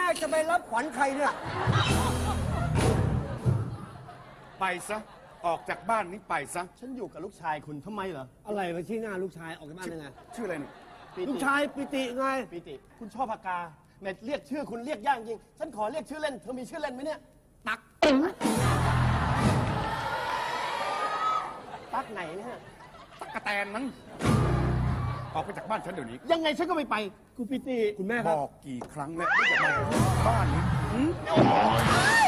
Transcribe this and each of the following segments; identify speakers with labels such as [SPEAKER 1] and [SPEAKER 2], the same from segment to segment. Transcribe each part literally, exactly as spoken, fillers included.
[SPEAKER 1] จะไปรับขวัญใครเนี่ย
[SPEAKER 2] ไปซะออกจากบ้านนี้ไปซะ
[SPEAKER 3] ฉันอยู่กับลูกชายคุณทำไมเหรอ
[SPEAKER 1] อะไรมาชี้หน้าลูกชายออกจากบ้านยังไง
[SPEAKER 2] ชื่ออะไรเนี่ย
[SPEAKER 3] ปิติ
[SPEAKER 1] ลูกชายปิติไง
[SPEAKER 3] ปิติ คุณชอบปากกาแม่เรียกชื่อคุณเรียกยากจริง ฉันขอเรียกชื่อเล่น เธอมีชื่อเล่นไหมเนี่ย ตัก ตักไหนเนี่ย
[SPEAKER 2] ตั๊กแตนนั้นออกไปจากบ้านฉันเดี๋ยวนี้
[SPEAKER 3] ยังไงฉันก็ไม่ไปกูปิติ
[SPEAKER 1] คุณแม่ค
[SPEAKER 2] บ
[SPEAKER 1] รับ
[SPEAKER 2] อกกี่ครั้งแล้วว่าอย่ามาบ้านนี้หืม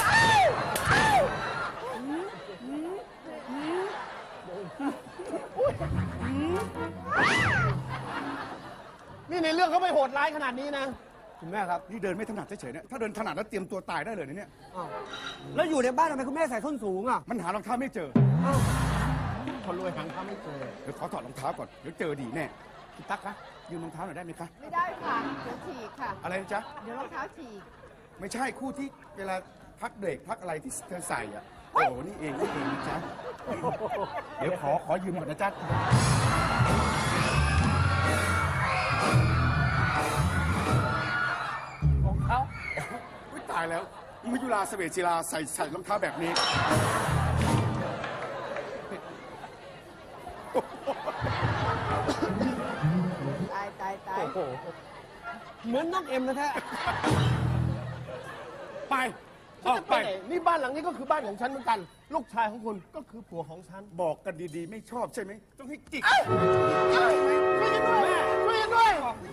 [SPEAKER 3] นี่ในเรื่องเขาไม่โหดร้ายขนาดนี้นะ
[SPEAKER 1] คุณแม่ครับ
[SPEAKER 2] นี่เดินไม่ถนัดเฉยๆเนี่ยถ้าเดินถนัดแล้วเตรียมตัวตายได้เลยนะเนี่ย
[SPEAKER 1] อ้าวแล้วอยู่ในบ้านทำไมคุณแม่ใส่ส้นสูงอ่ะ
[SPEAKER 2] มันหารองเท้าไม่เจอ
[SPEAKER 1] อ้าว
[SPEAKER 3] คนรวยหางเขาไม่เจอ
[SPEAKER 2] เดี๋ยวขอถอดรองเท้าก่อนเดี๋ยวเจอดีแน่พี่ตั๊กคะยืมรองเท้าหน่อยได้ไหมคะ
[SPEAKER 4] ไม่ได้ค่ะ เดี๋ยวฉีกค่ะ
[SPEAKER 2] อะไรนะจ๊ะ
[SPEAKER 4] เดี๋ยวรองเท้าฉีก
[SPEAKER 2] ไม่ใช่คู่ที่เวลาพักเบรกพักอะไรที่เธอใส่อ่ะโอ้โหนี่เองนี่เองนะจ๊ะเดี๋ยวขอขอยืมก่อนนะจ๊ะของเขาอุ๊ยตายแล้วมายุราเสเวจิลาใส่ใส่รองเท้าแบบนี้
[SPEAKER 4] ตายตายตาย
[SPEAKER 3] โอ้โห
[SPEAKER 1] เหมือนน้องเอ็มนะแท้
[SPEAKER 2] ไป
[SPEAKER 3] ฉั
[SPEAKER 2] อน อก
[SPEAKER 3] จะ
[SPEAKER 2] ไป
[SPEAKER 3] ไปไหนนี่บ้านหลังนี้ก็คือบ้านของฉันเหมือนกัน ลูกชายของคุณก็คือผัวของฉัน
[SPEAKER 2] บอกกันดีๆ ไม่ชอบใช่ไหมต้องให้จิก
[SPEAKER 3] ช่วยกันด้วยช่วยกันด้วย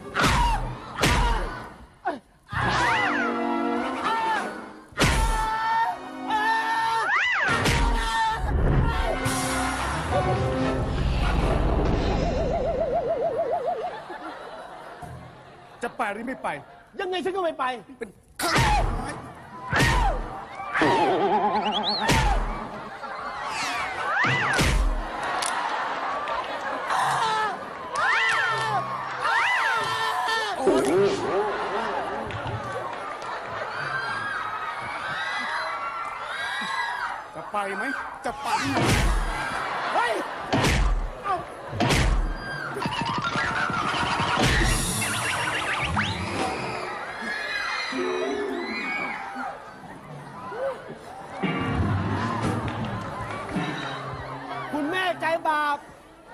[SPEAKER 2] จะไปหรือไม่ไป
[SPEAKER 3] ยังไงฉันก็ไม่ไป
[SPEAKER 2] เป็นข้างซ้าย จะไปไหม จะไปไหม
[SPEAKER 3] เฮ้ย เอ้า
[SPEAKER 1] คุณแม่ใจบาป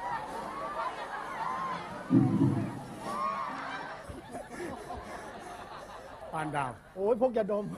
[SPEAKER 2] ปานดาว
[SPEAKER 3] โอ้ยพวกยาดม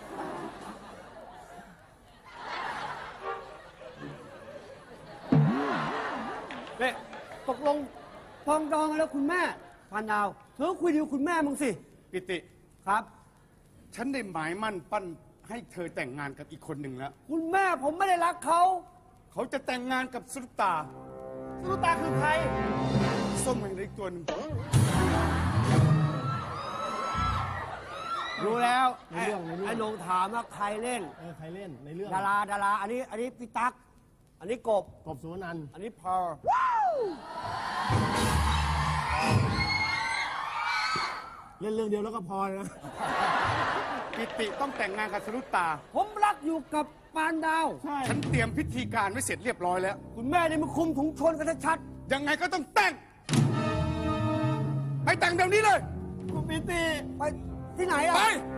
[SPEAKER 1] เนี่ยตกลงปองดองกันแล้วคุณแม่ปานดาวเธอคุยดีกับคุณแม่มึงสิ
[SPEAKER 2] ปิติ
[SPEAKER 1] ครับ
[SPEAKER 2] ฉันได้หมายมั่นปั้นให้เธอแต่งงานกับอีกคนหนึ่งแล้ว
[SPEAKER 1] คุณแม่ผมไม่ได้รักเขา
[SPEAKER 2] เขาจะแต่งงานกับสุรตา
[SPEAKER 3] สุรุตาคือใคร
[SPEAKER 2] ส้มมันอีกตัวหนึง
[SPEAKER 1] รู้แล้ว
[SPEAKER 3] ในเรื่องในเรื่อง
[SPEAKER 1] ไอ้โหนงถามว่าใครเล่น
[SPEAKER 3] เออใครเล่นในเรื่อง
[SPEAKER 1] ดาราดารา อันนี้อันนี้พี่ตั๊ก อันนี้กบ
[SPEAKER 3] กบสุวรรณันท์
[SPEAKER 1] อันนี้พอล
[SPEAKER 3] เล่นเรื่องเดียวแล้วก็พอนะ
[SPEAKER 2] ปิติต้องแต่งงานกับสรุตา
[SPEAKER 1] ผมรักอยู่กับปานดาว
[SPEAKER 3] ใช่
[SPEAKER 2] ฉันเตรียมพิธีการไว้เสร็จเรียบร้อยแล้ว
[SPEAKER 1] คุณแม่นี่มันคุมถุงชนกันชัด
[SPEAKER 2] ยังไงก็ต้องแต่ง ไปแต่งเดี๋ยวนี้เลย
[SPEAKER 3] คุณปิติ
[SPEAKER 1] ๆไปที่ไหนอ่ะ
[SPEAKER 2] ไป